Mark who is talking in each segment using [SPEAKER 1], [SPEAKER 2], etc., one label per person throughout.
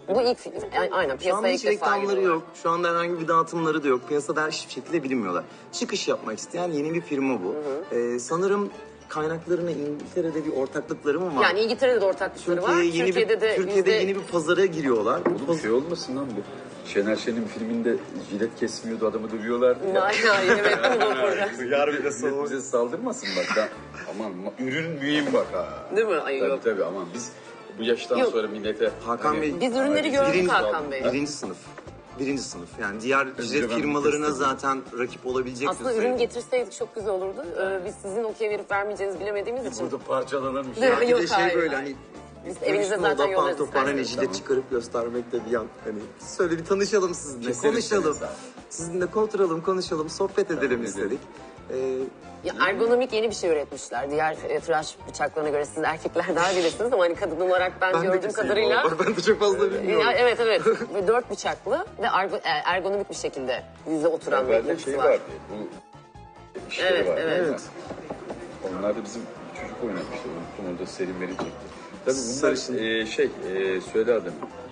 [SPEAKER 1] Bu ilk film. Aynen
[SPEAKER 2] Şu anda
[SPEAKER 1] piyasaya
[SPEAKER 2] hiç
[SPEAKER 1] ilk defa
[SPEAKER 2] reklamları
[SPEAKER 1] giriyorlar.
[SPEAKER 2] yok. Şu anda herhangi bir dağıtımları da yok. Piyasada hiçbir şekilde bilinmiyorlar. Çıkış yapmak isteyen yeni bir firma bu. Sanırım kaynaklarına İngiltere'de bir ortaklıkları mı var?
[SPEAKER 1] Yani İngiltere'de de ortaklıkları var.
[SPEAKER 2] Türkiye'de yeni bir pazara giriyorlar. Bu
[SPEAKER 3] Bir şey olmasın lan bu. Şener Şen'in filminde jilet kesmiyordu, adamı dövüyorlardı ya.
[SPEAKER 1] Hayır, evet, bu da burada.
[SPEAKER 2] Yar bir de
[SPEAKER 3] Millet bize saldırmasın bak. Aman ürün mühim bak ha.
[SPEAKER 1] Değil mi? Ay,
[SPEAKER 3] Tabii
[SPEAKER 1] yok.
[SPEAKER 3] tabii aman biz bu yaştan
[SPEAKER 1] Yok.
[SPEAKER 3] sonra millete...
[SPEAKER 2] Hakan Bey,
[SPEAKER 1] Biz ürünleri gördük Hakan Bey.
[SPEAKER 2] Birinci sınıf. Birinci sınıf. Yani diğer jilet
[SPEAKER 3] ben
[SPEAKER 2] firmalarına
[SPEAKER 3] test
[SPEAKER 2] zaten rakip olabilecek
[SPEAKER 1] Aslında
[SPEAKER 2] düzeyde.
[SPEAKER 1] ürün getirseydik çok güzel olurdu. Biz sizin okey verip vermeyeceğinizi bilemediğimiz için.
[SPEAKER 3] Burada parçalanırmış.
[SPEAKER 1] Değil mi?
[SPEAKER 2] Bir
[SPEAKER 1] Yok,
[SPEAKER 2] de şey
[SPEAKER 1] hayır,
[SPEAKER 2] böyle
[SPEAKER 1] hayır.
[SPEAKER 2] hani
[SPEAKER 1] Biz evinize
[SPEAKER 2] konuşma
[SPEAKER 1] zaten
[SPEAKER 2] oda,
[SPEAKER 1] yollarız
[SPEAKER 2] pantofon, hani
[SPEAKER 1] isterseniz.
[SPEAKER 2] jilet çıkarıp göstermekte bir yan. Hani söyle bir tanışalım sizinle,
[SPEAKER 3] Keseriz
[SPEAKER 2] konuşalım.
[SPEAKER 3] seni.
[SPEAKER 2] Sizinle oturalım, konuşalım, sohbet edelim istedik.
[SPEAKER 1] Ya ergonomik yeni bir şey üretmişler. Diğer tıraş bıçaklarına göre siz erkekler daha bilirsiniz ama hani kadın olarak ben
[SPEAKER 2] Ben de
[SPEAKER 1] gördüğüm
[SPEAKER 2] keseyim
[SPEAKER 1] kadarıyla...
[SPEAKER 2] vallahi. Ben de çok fazla bilmiyorum.
[SPEAKER 1] Ya, evet. Ve 4 bıçaklı ve ergonomik bir şekilde yüze oturan bir
[SPEAKER 3] Evvelde
[SPEAKER 1] yapısı
[SPEAKER 3] şey
[SPEAKER 1] var.
[SPEAKER 3] vardı. Bu işleri
[SPEAKER 1] Evet,
[SPEAKER 3] vardı.
[SPEAKER 1] evet.
[SPEAKER 3] Onlar da bizim çocuk oynamıştı. Unuttum, orada Selim Veri çekti. Tabii bunlar
[SPEAKER 2] Sarışın.
[SPEAKER 3] söyle adını.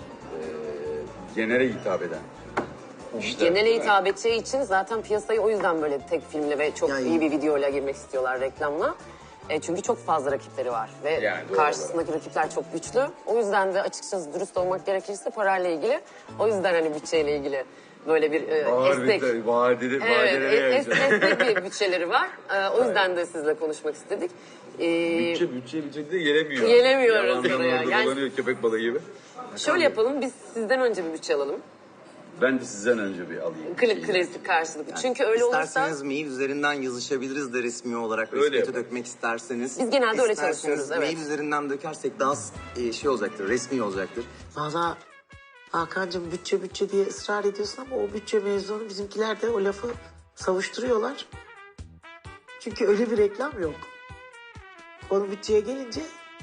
[SPEAKER 3] Genere hitap eden. İşte,
[SPEAKER 1] Genele hitap edeceği için zaten piyasayı o yüzden böyle tek filmle ve çok
[SPEAKER 2] Yani-
[SPEAKER 1] iyi bir videoyla girmek istiyorlar reklamla. Çünkü çok fazla rakipleri var ve
[SPEAKER 3] Yani doğru
[SPEAKER 1] karşısındaki rakipler çok güçlü. O yüzden de açıkçası dürüst olmak gerekirse parayla ilgili. O yüzden hani bütçeyle ilgili böyle bir esnek...
[SPEAKER 3] Vadeli,
[SPEAKER 1] Evet, esnek bir bütçeleri var. O yüzden de sizle konuşmak istedik.
[SPEAKER 3] Bütçe de gelemiyor.
[SPEAKER 1] Gelemiyoruz
[SPEAKER 3] Yalandan
[SPEAKER 1] oraya.
[SPEAKER 3] orada
[SPEAKER 1] Yani-
[SPEAKER 3] dolanıyor köpek balığı gibi.
[SPEAKER 1] Şöyle yapalım, biz sizden önce bir bütçe alalım.
[SPEAKER 3] Ben de sizden önce bir alayım.
[SPEAKER 1] Klasik karşılıklı. Çünkü öyle olursa...
[SPEAKER 2] İsterseniz mail üzerinden yazışabiliriz de resmi olarak
[SPEAKER 3] Öyle
[SPEAKER 2] resmiyete
[SPEAKER 3] yapalım.
[SPEAKER 2] dökmek isterseniz.
[SPEAKER 1] Biz genelde öyle
[SPEAKER 2] İsterseniz
[SPEAKER 1] çalışıyoruz, evet.
[SPEAKER 2] Mail üzerinden dökersek daha şey olacaktır, resmi olacaktır.
[SPEAKER 4] Valla Hakan'cığım bütçe diye ısrar ediyorsun ama o bütçe mevzunu bizimkiler de o lafı savuşturuyorlar. Çünkü öyle bir reklam yok. Konu bütçeye gelince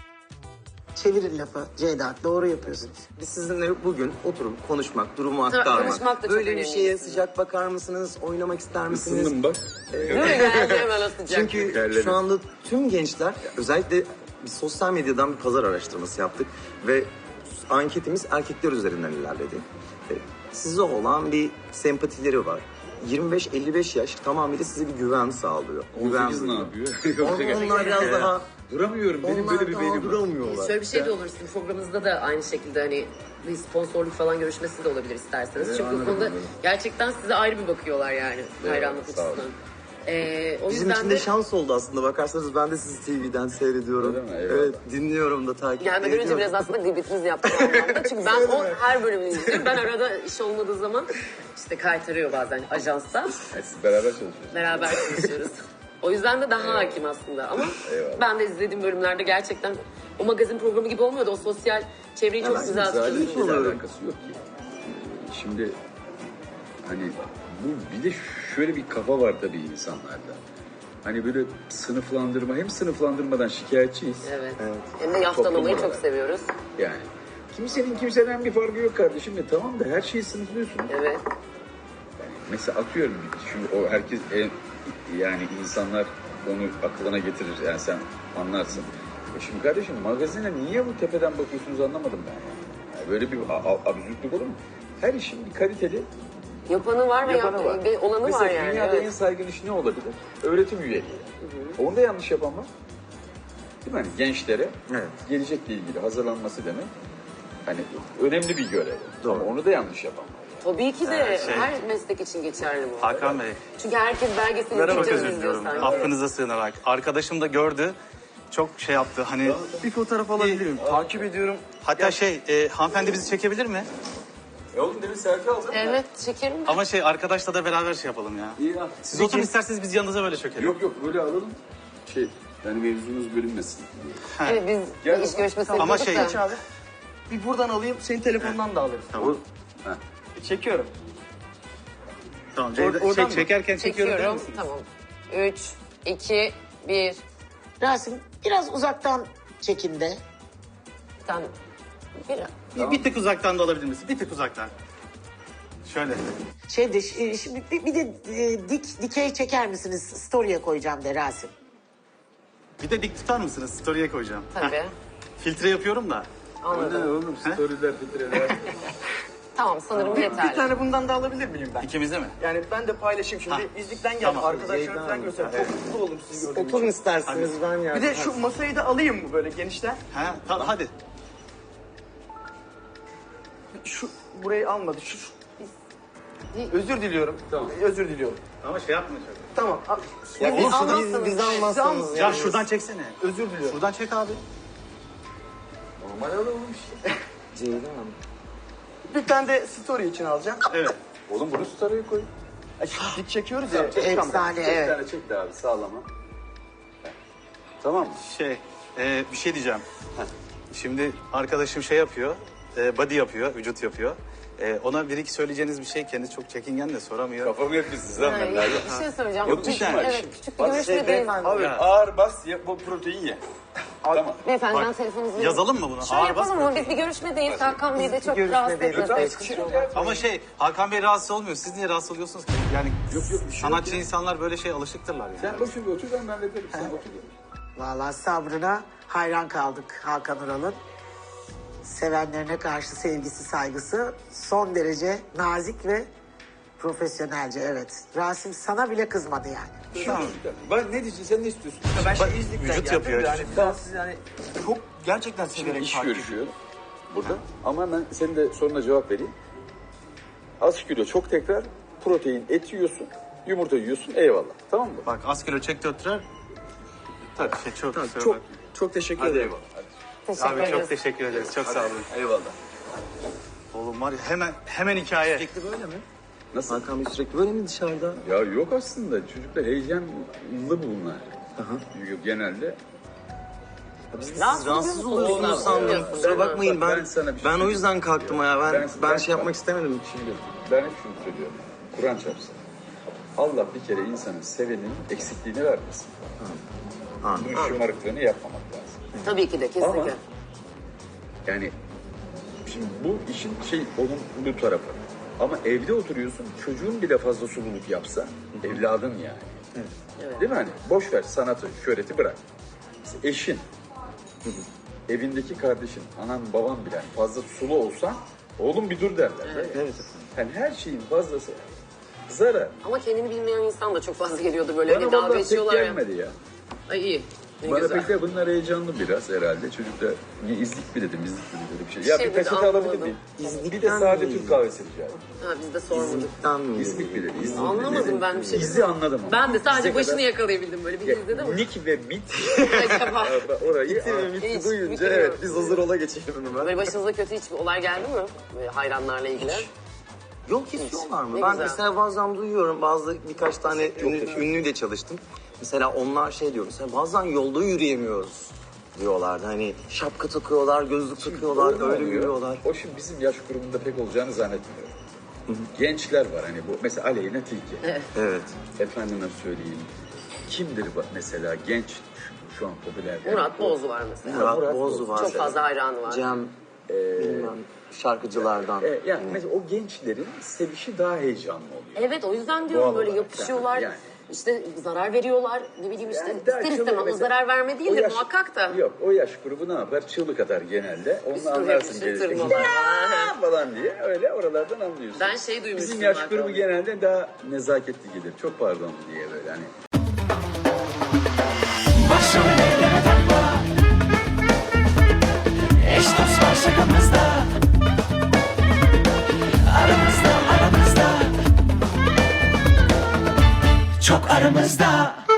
[SPEAKER 4] çevirin lafı. Ceyda doğru yapıyorsunuz.
[SPEAKER 2] Biz sizinle bugün oturup konuşmak, durumu aktarmak.
[SPEAKER 1] konuşmak da çok
[SPEAKER 2] Böyle bir
[SPEAKER 1] önemli
[SPEAKER 2] şeye
[SPEAKER 1] aslında.
[SPEAKER 2] sıcak bakar mısınız, oynamak ister misiniz?
[SPEAKER 3] Isındım bak.
[SPEAKER 1] Değil mi? Geldi hemen o sıcak.
[SPEAKER 2] Çünkü
[SPEAKER 3] Terledim.
[SPEAKER 2] şu anda tüm gençler, özellikle biz sosyal medyadan bir pazar araştırması yaptık ve anketimiz erkekler üzerinden ilerledi. Size olan bir sempatileri var. 25-55 yaş tamamıyla size bir güven sağlıyor.
[SPEAKER 3] 18 ne
[SPEAKER 2] duyuyor.
[SPEAKER 3] yapıyor?
[SPEAKER 2] Onlar biraz daha...
[SPEAKER 3] Duramıyorum. Benim
[SPEAKER 2] Onlar
[SPEAKER 3] böyle bir
[SPEAKER 2] daha
[SPEAKER 3] beynim var.
[SPEAKER 2] duramıyorlar.
[SPEAKER 1] Şöyle bir şey de olur sizin programınızda da aynı şekilde hani bir sponsorluk falan görüşmesi de olabilir isterseniz. Çünkü bu
[SPEAKER 3] anladım,
[SPEAKER 1] konuda
[SPEAKER 3] anladım.
[SPEAKER 1] gerçekten size ayrı bir bakıyorlar yani hayranlık
[SPEAKER 3] sağ olun.
[SPEAKER 1] açısından. O
[SPEAKER 2] Bizim
[SPEAKER 1] yüzden
[SPEAKER 2] için
[SPEAKER 1] de
[SPEAKER 2] de şans oldu aslında. Bakarsanız ben de sizi TV'den seyrediyorum.
[SPEAKER 3] Öyle mi? Eyvallah.
[SPEAKER 2] Evet, dinliyorum da takip
[SPEAKER 1] gelmeden
[SPEAKER 2] ediyorum.
[SPEAKER 1] önce biraz aslında gıybetiniz yaptım o anlamda. Çünkü ben o her bölümünü izliyorum. Ben arada iş olmadığı zaman işte kaytarıyor bazen ajansta.
[SPEAKER 3] Yani siz beraber çalışıyorsunuz.
[SPEAKER 1] Beraber çalışıyoruz. O yüzden de daha hakim aslında ama
[SPEAKER 3] Eyvallah.
[SPEAKER 1] ben de izlediğim bölümlerde gerçekten o magazin programı gibi olmuyordu. O sosyal çevreyi çok güzel
[SPEAKER 3] Zaten
[SPEAKER 1] tutuyordu.
[SPEAKER 3] hiçbir
[SPEAKER 2] oluyorum.
[SPEAKER 3] alakası yok ki. Şimdi hani bu bir de şöyle bir kafa var tabii insanlarda. Hani böyle sınıflandırma, hem sınıflandırmadan şikayetçiyiz.
[SPEAKER 1] Evet. Hem de yaftalamayı
[SPEAKER 3] Toplum
[SPEAKER 1] çok
[SPEAKER 3] olarak.
[SPEAKER 1] seviyoruz.
[SPEAKER 3] Yani kimsenin kimseden bir farkı yok kardeşim. Tamam da her şeyi sınıflıyorsunuz.
[SPEAKER 1] Evet.
[SPEAKER 3] Mesela atıyorum şimdi o herkes yani insanlar onu aklına getirir. Yani sen anlarsın. Şimdi kardeşim magazine niye bu tepeden bakıyorsunuz anlamadım ben yani. Böyle bir absürtlük olur mu? Her işin bir kaliteli
[SPEAKER 1] Yapanı var ve
[SPEAKER 3] yapanı var.
[SPEAKER 1] ve olanı
[SPEAKER 3] Mesela
[SPEAKER 1] var yani.
[SPEAKER 3] dünyada
[SPEAKER 1] Evet.
[SPEAKER 3] en saygın iş ne olabilir? Öğretim üyeliği. Onda yanlış yapan var. Değil mi? Hani gençlere
[SPEAKER 2] Evet.
[SPEAKER 3] gelecekle ilgili hazırlanması demek hani önemli bir görev.
[SPEAKER 2] Doğru.
[SPEAKER 3] Ama onu da yanlış yapan var.
[SPEAKER 1] Tabii ki de her meslek için geçerli bu.
[SPEAKER 5] Hakan Bey,
[SPEAKER 1] Çünkü herkes belgesini
[SPEAKER 5] çok
[SPEAKER 1] izleyince
[SPEAKER 5] özür
[SPEAKER 1] izliyor
[SPEAKER 5] diliyorum.
[SPEAKER 1] sanki.
[SPEAKER 5] Affınıza sığınarak. Arkadaşım da gördü. Çok şey yaptı hani.
[SPEAKER 2] Bir fotoğraf alabilirim. Takip ediyorum.
[SPEAKER 5] Hatta hanımefendi bizi çekebilir mi?
[SPEAKER 3] Oğlum demin selfie aldım.
[SPEAKER 1] Evet çekerim.
[SPEAKER 5] Ama arkadaşla da beraber şey yapalım ya.
[SPEAKER 3] İyi ya.
[SPEAKER 5] Siz oturun isterseniz biz yanınıza böyle çökelim.
[SPEAKER 3] Yok böyle alalım. Yani mevzumuz bölünmesin.
[SPEAKER 1] Evet biz
[SPEAKER 3] Gel
[SPEAKER 1] bir iş
[SPEAKER 3] baba.
[SPEAKER 1] görüşmesi
[SPEAKER 5] Ama
[SPEAKER 1] yapıyorduk da.
[SPEAKER 2] Abi. Bir buradan alayım, senin telefondan da alırım.
[SPEAKER 5] Tamam.
[SPEAKER 2] Çekiyorum.
[SPEAKER 5] Tamam.
[SPEAKER 2] Oradan mı?
[SPEAKER 5] Çekerken çekiyorum der
[SPEAKER 1] Çekiyorum.
[SPEAKER 5] misiniz?
[SPEAKER 1] Tamam. 3, 2, 1.
[SPEAKER 4] Rasim biraz uzaktan çekinde.
[SPEAKER 1] Tamam.
[SPEAKER 5] Bir tık uzaktan da alabilir misin? Bir tık uzaktan. Şöyle.
[SPEAKER 4] Şimdi bir de dikey çeker misiniz? Story'e koyacağım de Rasim.
[SPEAKER 5] Bir de dik tutar mısınız? Story'e koyacağım.
[SPEAKER 1] Tabii.
[SPEAKER 5] Filtre yapıyorum da.
[SPEAKER 1] Anladım.
[SPEAKER 3] Oğlum storyler filtreler.
[SPEAKER 1] Tamam sanırım
[SPEAKER 6] Bir
[SPEAKER 1] yeterli.
[SPEAKER 6] tane bundan da alabilir miyim ben?
[SPEAKER 5] İkimize mi?
[SPEAKER 6] Yani ben de paylaşayım şimdi. İzlikten geldim.
[SPEAKER 5] Tamam.
[SPEAKER 6] Arkadaşlarım falan göstereyim. Çok mutlu oldum sizi gördüğüm için.
[SPEAKER 2] Oturun isterseniz ben yani.
[SPEAKER 6] Bir de şu masayı da alayım mı böyle genişten?
[SPEAKER 5] Ha, tamam hadi.
[SPEAKER 6] Şu burayı almadı. Özür diliyorum. Tamam. Özür diliyorum.
[SPEAKER 5] Ama şey yapma çok.
[SPEAKER 6] Tamam.
[SPEAKER 2] Ya
[SPEAKER 1] Biz
[SPEAKER 2] biz
[SPEAKER 1] almazsanız-
[SPEAKER 2] biz almazsanız
[SPEAKER 5] Ya şuradan çeksene.
[SPEAKER 6] Özür diliyorum.
[SPEAKER 5] Şuradan çek abi.
[SPEAKER 3] Normal olmuş.
[SPEAKER 2] Ceylan.
[SPEAKER 6] Bir tane de story için alacağım.
[SPEAKER 5] Evet.
[SPEAKER 3] Oğlum bunu story'e koy.
[SPEAKER 6] Ay, dik çekiyoruz ya.
[SPEAKER 4] Efsane
[SPEAKER 3] Bir
[SPEAKER 4] evet.
[SPEAKER 3] tane çek de abi sağlama. Tamam mı?
[SPEAKER 5] Bir şey diyeceğim. Şimdi arkadaşım şey yapıyor. Body yapıyor, vücut yapıyor. Ona bir iki söyleyeceğiniz bir şey kendisi çok çekingen de soramıyor.
[SPEAKER 3] Kafamı yapmışsınız lan ben
[SPEAKER 1] Yani
[SPEAKER 3] nerede?
[SPEAKER 1] bir şey söyleyeceğim.
[SPEAKER 3] Yok, bir şey var.
[SPEAKER 1] Evet küçük bir görüşme değil.
[SPEAKER 3] Abi ağır bas ye, bu protein ye. Tamam.
[SPEAKER 1] Beyefendi ben
[SPEAKER 5] Bak,
[SPEAKER 1] telefonunuzu vereyim.
[SPEAKER 5] yazalım mı bunu?
[SPEAKER 1] Şöyle
[SPEAKER 5] Ağır bas
[SPEAKER 1] yapalım ama biz bir görüşme değil. Hakan Bey de çok rahatsız etmesin.
[SPEAKER 5] Ama Hakan Bey rahatsız olmuyor. Siz niye rahatsız oluyorsunuz ki? Yani
[SPEAKER 3] Yok, bir şey
[SPEAKER 5] sanatçı
[SPEAKER 3] yok ya.
[SPEAKER 5] insanlar böyle şey alışıktırlar yani.
[SPEAKER 3] Sen boşuna bir otur ben hallederim. Sen otur.
[SPEAKER 4] Vallahi sabrına hayran kaldık Hakan Ural'ın. Sevenlerine karşı sevgisi, saygısı son derece nazik ve profesyonelce evet. Rasim sana bile kızmadı yani.
[SPEAKER 3] Tamam. Ben ne diyeceksin sen ne istiyorsun?
[SPEAKER 6] Ben şimdi İzlik'ten
[SPEAKER 5] vücut
[SPEAKER 6] geldim.
[SPEAKER 5] yapıyor
[SPEAKER 6] Yani
[SPEAKER 5] işte.
[SPEAKER 6] ben sizi yani çok gerçekten
[SPEAKER 3] Şimdi
[SPEAKER 6] severek
[SPEAKER 3] iş
[SPEAKER 6] takip
[SPEAKER 3] görüşüyor burada. Ama ben senin de soruna cevap vereyim. Az kilo çok tekrar protein et yiyorsun, yumurta yiyorsun eyvallah. Tamam mı?
[SPEAKER 5] Bak az kilo çek döktürer. Tabii çok
[SPEAKER 6] Çok teşekkür
[SPEAKER 3] Hadi
[SPEAKER 6] ederim.
[SPEAKER 3] eyvallah. Hadi.
[SPEAKER 1] Teşekkür
[SPEAKER 5] Abi
[SPEAKER 1] ederiz.
[SPEAKER 5] çok teşekkür ederiz. Çok sağ olun.
[SPEAKER 3] Eyvallah.
[SPEAKER 5] Oğlum var ya hemen hikaye.
[SPEAKER 2] Sürekli böyle mi?
[SPEAKER 3] Nasıl?
[SPEAKER 2] Hakan Bey sürekli böyle mi dışarıda?
[SPEAKER 3] Ya yok aslında çocuklar heyecanlı bunlar. Çünkü genelde
[SPEAKER 2] Rahatsız oluyorsunuz sandım. Kusura bakmayın
[SPEAKER 3] Ben sana bir şey
[SPEAKER 2] ben o yüzden kalktım ya. Ben şey
[SPEAKER 3] bak,
[SPEAKER 2] yapmak istemedim.
[SPEAKER 3] Şimdi ben hep şunu söylüyorum. Kur'an çarpsın. Allah bir kere insanın sevenin eksikliğini vermesin. Bunun şımarıklığını yapmamak lazım.
[SPEAKER 1] Tabii ki de kesinlikle.
[SPEAKER 3] Ama yani şimdi bu işin olumlu tarafı. Ama evde oturuyorsun çocuğun bile fazla sululuk yapsa evladın yani. Değil mi hani? Boş ver sanatı, şöhreti bırak. Mesela eşin, evindeki kardeşin, anan baban bile fazla sulu olsa oğlum bir dur derler.
[SPEAKER 2] Evet.
[SPEAKER 3] Yani her şeyin fazlası zarar.
[SPEAKER 1] Ama kendini bilmeyen insan da çok fazla geliyordu böyle.
[SPEAKER 3] Bana
[SPEAKER 1] Hani dalga
[SPEAKER 3] vallahi pek
[SPEAKER 1] geçiyorlar ya.
[SPEAKER 3] gelmedi ya.
[SPEAKER 1] Ay iyi. Ne
[SPEAKER 3] Bana
[SPEAKER 1] güzel.
[SPEAKER 3] pek de bunlar heyecanlı biraz herhalde. Çocuk da niye izlik mi dedim, izlik mi dedi bir şey. Ya
[SPEAKER 1] Şey
[SPEAKER 3] bir
[SPEAKER 1] dedi,
[SPEAKER 3] peçete alabilir
[SPEAKER 1] anlamadım.
[SPEAKER 3] miyim? Bir de
[SPEAKER 2] İzlikten
[SPEAKER 3] sade
[SPEAKER 2] mi?
[SPEAKER 3] Türk kahvesi rica ederim.
[SPEAKER 1] Ha biz de sormadık.
[SPEAKER 2] İzlikten mi?
[SPEAKER 3] İzlik mi dedi? İzlik mi
[SPEAKER 1] Anlamadım
[SPEAKER 3] dedi?
[SPEAKER 1] ben bir şey.
[SPEAKER 3] İzi anladım ama.
[SPEAKER 1] Ben de sadece
[SPEAKER 3] İze
[SPEAKER 1] başını
[SPEAKER 3] kadar-
[SPEAKER 1] yakalayabildim böyle bir izledim ama.
[SPEAKER 3] Nick ve Mit
[SPEAKER 1] Acaba.
[SPEAKER 3] orayı
[SPEAKER 1] Hiç
[SPEAKER 2] Duyunca
[SPEAKER 1] bilmiyorum.
[SPEAKER 2] evet biz hazır ola geçelim hemen.
[SPEAKER 1] Böyle başınıza kötü hiçbir olay geldi mi? Böyle hayranlarla ilgili.
[SPEAKER 2] Yok istiyorlar mı?
[SPEAKER 1] Ne
[SPEAKER 2] Ben
[SPEAKER 1] güzel.
[SPEAKER 2] mesela bazen duyuyorum birkaç tane ünlüyle çalıştım. Mesela onlar şey diyor mesela bazen yolda yürüyemiyoruz diyorlardı. Hani şapka takıyorlar, gözlük takıyorlar,
[SPEAKER 3] O ne
[SPEAKER 2] öyle
[SPEAKER 3] oluyor?
[SPEAKER 2] yürüyorlar.
[SPEAKER 3] O şimdi bizim yaş grubunda pek olacağını zannetmiyorum. Gençler var hani bu mesela Aleyna Tilki.
[SPEAKER 2] Evet.
[SPEAKER 3] Efendime söyleyeyim. Kimdir mesela genç şu an popüler.
[SPEAKER 1] Murat Boğazu var mesela.
[SPEAKER 2] Murat Boğazu var.
[SPEAKER 1] Çok fazla hayranı var.
[SPEAKER 2] Cem, bilmem şarkıcılardan.
[SPEAKER 3] Yani mesela o gençlerin sevişi daha heyecanlı oluyor.
[SPEAKER 1] Evet o yüzden diyorum
[SPEAKER 3] Doğal
[SPEAKER 1] böyle
[SPEAKER 3] olarak
[SPEAKER 1] yapışıyorlar.
[SPEAKER 3] yani.
[SPEAKER 1] İşte zarar veriyorlar. Ne bileyim işte
[SPEAKER 3] Yani daha
[SPEAKER 1] ister
[SPEAKER 3] çığlık
[SPEAKER 1] istemez o
[SPEAKER 3] mesela-
[SPEAKER 1] zarar verme değil
[SPEAKER 3] O
[SPEAKER 1] de
[SPEAKER 3] yaş-
[SPEAKER 1] muhakkak da.
[SPEAKER 3] Yok o yaş grubu ne yapar? Çığlık atar genelde. Onu
[SPEAKER 1] Üstüne
[SPEAKER 3] anlarsın
[SPEAKER 1] yapışır,
[SPEAKER 3] gelirken.
[SPEAKER 1] tırmalar.
[SPEAKER 3] "Ya!" falan diye öyle oralardan anlıyorsun.
[SPEAKER 1] Ben şey duymuştum
[SPEAKER 3] Bizim yaş
[SPEAKER 1] zaten.
[SPEAKER 3] grubu genelde daha nezaketli gelir. Çok pardon diye böyle hani.
[SPEAKER 7] Başrol elleme takma. Eş dost var şakamızda. Aramızda Çok aramızda.